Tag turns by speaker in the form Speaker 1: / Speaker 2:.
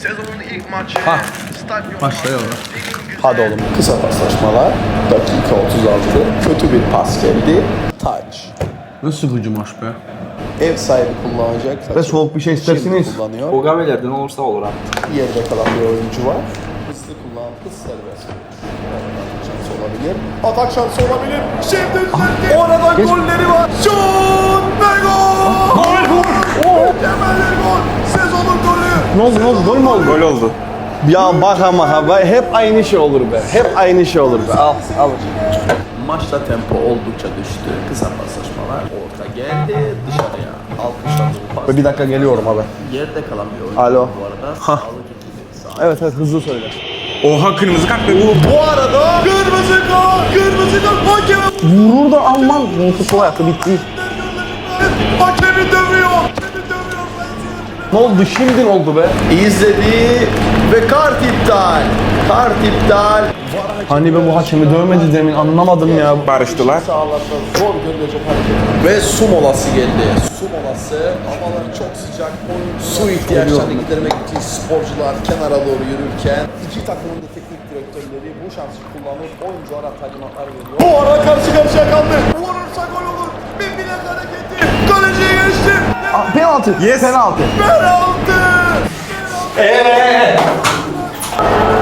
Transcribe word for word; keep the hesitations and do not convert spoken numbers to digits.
Speaker 1: Sezonun ilk maçı.
Speaker 2: Ha.
Speaker 1: Stadyum
Speaker 2: Başlayalım.
Speaker 3: Hadi oğlum. Kısa paslaşmalar. Dakika otuz altı. Kötü bir pas geldi. Touch.
Speaker 2: Nasıl hücum aç be?
Speaker 3: Ev sahibi kullanacak.
Speaker 2: Ve soğuk bir şey istersiniz.
Speaker 3: Şimdi kullanıyor.
Speaker 4: O gavelerden olursa olur abi.
Speaker 3: Yerde kalan bir oyuncu var. Hızlı kullan. Hız serbest. Atak şansı olabilir. Atak şansı olabilir. Şimdi düzeltti. Orada golleri var. Şut ve gol.
Speaker 2: Gol gol.
Speaker 3: Mükemmel gol. Sezonun golü.
Speaker 2: Ne oldu ne oldu? Gol mü oldu?
Speaker 4: Gol oldu.
Speaker 2: Ya bak ama ha hep aynı şey olur be. Hep aynı şey olur be. Al al.
Speaker 3: Maçta tempo oldukça düştü. Kısa paslaşmalar. Orta geldi. Dışarıya. Alkışladı bu pas.
Speaker 2: Bir dakika geliyorum abi.
Speaker 3: Yerde kalan bir oyuncu
Speaker 2: Alo.
Speaker 3: bu arada.
Speaker 2: Hah.
Speaker 3: Sağlık ekibi sağ.
Speaker 2: Evet evet hızlı söyle.
Speaker 4: Oha kırmızı kart ve bu.
Speaker 3: Bu arada kırmızı kart. Kırmızı kart. Hakem.
Speaker 2: Vurur da Alman. Futbol hayatı bitti.
Speaker 3: Hakemi dövüyor.
Speaker 2: Ne oldu şimdi ne oldu be?
Speaker 3: İzledi ve kart iptal. Kart iptal.
Speaker 2: Hani ben bu hakemi dövmedi demin anlamadım ya.
Speaker 4: Barıştılar.
Speaker 3: Sağlarda zor görülecek hareket. Ve su molası geldi. Su molası. Havalar çok sıcak. Oyun su ihtiyaçlarını gidermek için sporcular kenara doğru yürürken iki takımın da teknik direktörleri bu şansı kullanıp oyunculara talimatlar veriyor. Bu arada karşı karşıya kaldı. Vurursa gol olur. Bir bilek hareketi. Kaleciye geçti.
Speaker 2: Aa, penaltı.
Speaker 4: Yes.
Speaker 2: Penaltı.
Speaker 3: Penaltı.
Speaker 2: Eee.